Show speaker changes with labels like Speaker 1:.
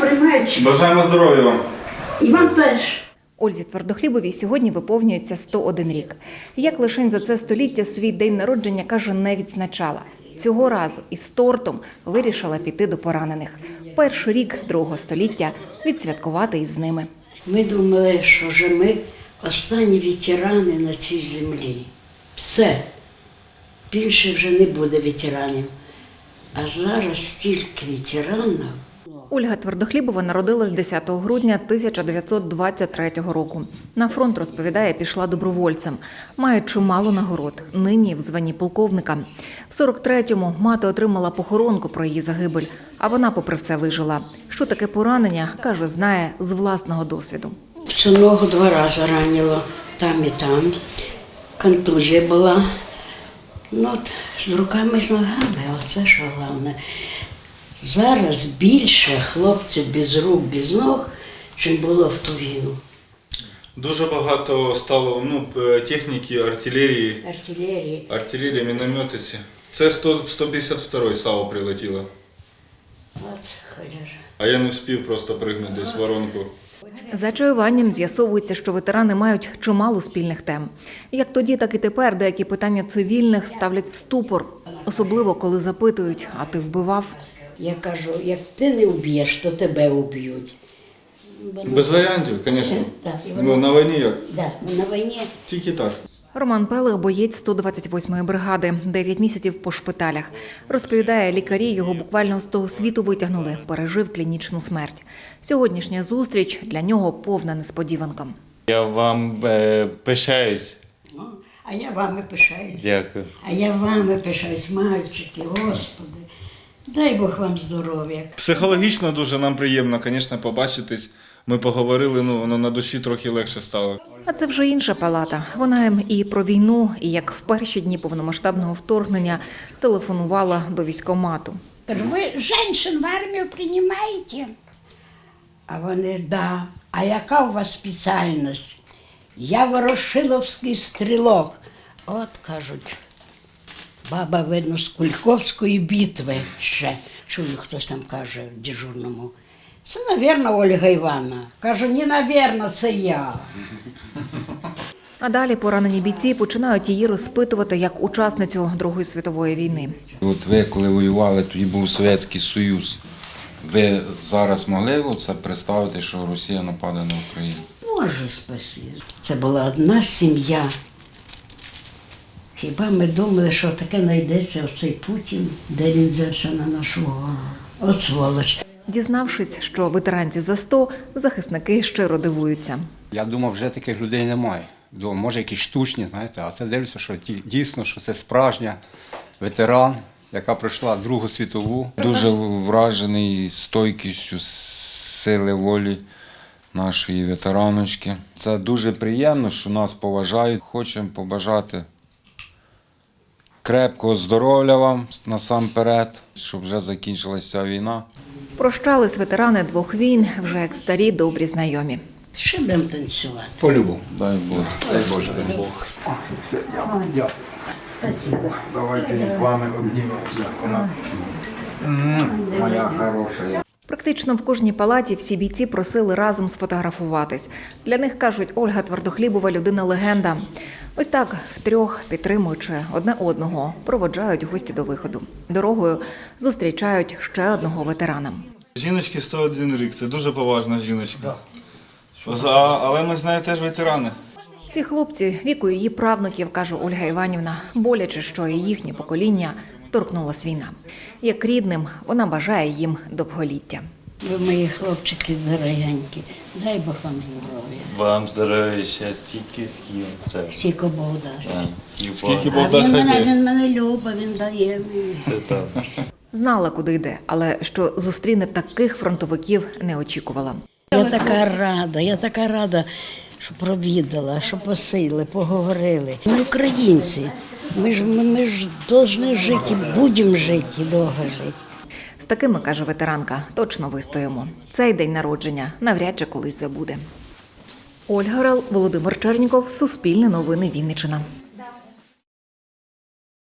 Speaker 1: приймають.
Speaker 2: Бажаємо здоров'я вам.
Speaker 1: І вам теж.
Speaker 3: Ользі Твердохлібовій сьогодні виповнюється 101 рік. Як лишень за це століття свій день народження, каже, не відзначала. Цього разу із тортом вирішила піти до поранених. Перший рік другого століття відсвяткувати із ними.
Speaker 1: Ми думали, що вже ми останні ветерани на цій землі. Все. Більше вже не буде ветеранів. А зараз стільки ветеранів.
Speaker 3: Ольга Твердохлібова народилась 10 грудня 1923 року. На фронт, розповідає, пішла добровольцем. Має чимало нагород, нині в званні полковника. В 43-му мати отримала похоронку про її загибель, а вона попри все вижила. Що таке поранення, каже, знає з власного досвіду.
Speaker 1: Всю ногу 2 рази ранило, там і там. Контузія була. Ну, от, з руками, з ногами, оце що головне. Зараз більше хлопців без рук, без ног, чим було в ту війну.
Speaker 2: Дуже багато стало техніки, артилерії. Артилерія, мінометиці. Це 152-й САУ прилетіло.
Speaker 1: От халяжа.
Speaker 2: А я не встиг просто пригнути десь в воронку.
Speaker 3: За чаюванням з'ясовується, що ветерани мають чимало спільних тем. Як тоді, так і тепер деякі питання цивільних ставлять в ступор. Особливо, коли запитують, а ти вбивав?
Speaker 1: Я кажу, як ти не вб'єш, то тебе вб'ють.
Speaker 2: Без варіантів, звісно.
Speaker 1: Так,
Speaker 2: На війні як?
Speaker 1: Да, на війні.
Speaker 2: Тільки так.
Speaker 3: Роман Пелих – боєць 128-ї бригади, 9 місяців по шпиталях. Розповідає, лікарі його буквально з того світу витягнули, пережив клінічну смерть. Сьогоднішня зустріч для нього повна несподіванка.
Speaker 4: Я вам пишаюсь.
Speaker 1: А я вами пишаюсь.
Speaker 4: Дякую.
Speaker 1: А я вами пишаюсь, мальчики, Господи. Дай Бог вам здоров'я.
Speaker 2: Психологічно дуже нам приємно, звісно, побачитись. Ми поговорили, воно на душі трохи легше стало.
Speaker 3: А це вже інша палата. Вона їм і про війну, і як в перші дні повномасштабного вторгнення телефонувала до військкомату.
Speaker 1: Кажу, ви жінок в армію приймаєте? А вони, да. А яка у вас спеціальність? Я ворошиловський стрілок. От, кажуть, баба, видно, з Кульковської битви ще. Чую, хтось там каже в дежурному. Це, мабуть, Ольга Івановна. Кажу, ні, мабуть, це я.
Speaker 3: А далі поранені бійці починають її розпитувати як учасницю Другої світової війни.
Speaker 5: От ви, коли воювали, тоді був Совєтський Союз. Ви зараз могли це представити, що Росія нападе на Україну?
Speaker 1: Може, спасибі. Це була одна сім'я. Хіба ми думали, що таке знайдеться оцей Путін, де він взявся на нашу голову? От сволоч.
Speaker 3: Дізнавшись, що ветеранці за 100, захисники щиро дивуються.
Speaker 6: Я думав, вже таких людей немає. Думав, може якісь штучні, знаєте, а це дивлюся, що дійсно, що це справжня ветеран, яка пройшла Другу світову.
Speaker 5: Дуже вражений стойкістю сили волі нашої ветераночки. Це дуже приємно, що нас поважають. Хочемо побажати крепкого здоров'я вам насамперед, щоб вже закінчилася війна.
Speaker 3: Прощались ветерани 2 війн, вже як старі добрі знайомі.
Speaker 1: Що будемо танцювати?
Speaker 6: По-любому.
Speaker 5: Дай Бог.
Speaker 6: Дай Боже. Дай Бог.
Speaker 1: Спасибо.
Speaker 5: Давайте з вами обнімемося. Моя хороша.
Speaker 3: Практично в кожній палаті всі бійці просили разом сфотографуватись. Для них, кажуть, Ольга Твердохлібова – людина-легенда. Ось так, втрьох, підтримуючи одне одного, проводжають гості до виходу. Дорогою зустрічають ще одного ветерана.
Speaker 2: Жіночки 101 рік, це дуже поважна жіночка. Але ми з нею теж ветерани.
Speaker 3: Ці хлопці віку її правнуків, каже Ольга Іванівна, боляче, що і їхнє покоління торкнулась війна. Як рідним, вона бажає їм довголіття.
Speaker 1: Ви мої хлопчики дорогенькі. Дай Бог вам здоров'я.
Speaker 4: Вам здоров'я, щастя, стільки скільки треба.
Speaker 1: Скільки Бог дасть.
Speaker 2: Скільки
Speaker 1: А
Speaker 2: Бог дасть,
Speaker 1: він мене любить, він дає мені.
Speaker 4: Це так.
Speaker 3: Знала, куди йде, але що зустріне таких фронтовиків, не очікувала.
Speaker 1: Я така рада, що провідала, що посили, поговорили. Ми українці, ми ж повинні жити, будемо жити, довго жити.
Speaker 3: З такими, каже ветеранка, точно вистоїмо. Цей день народження навряд чи колись забуде. Ольга Орел, Володимир Черніков, Суспільне новини, Вінниччина.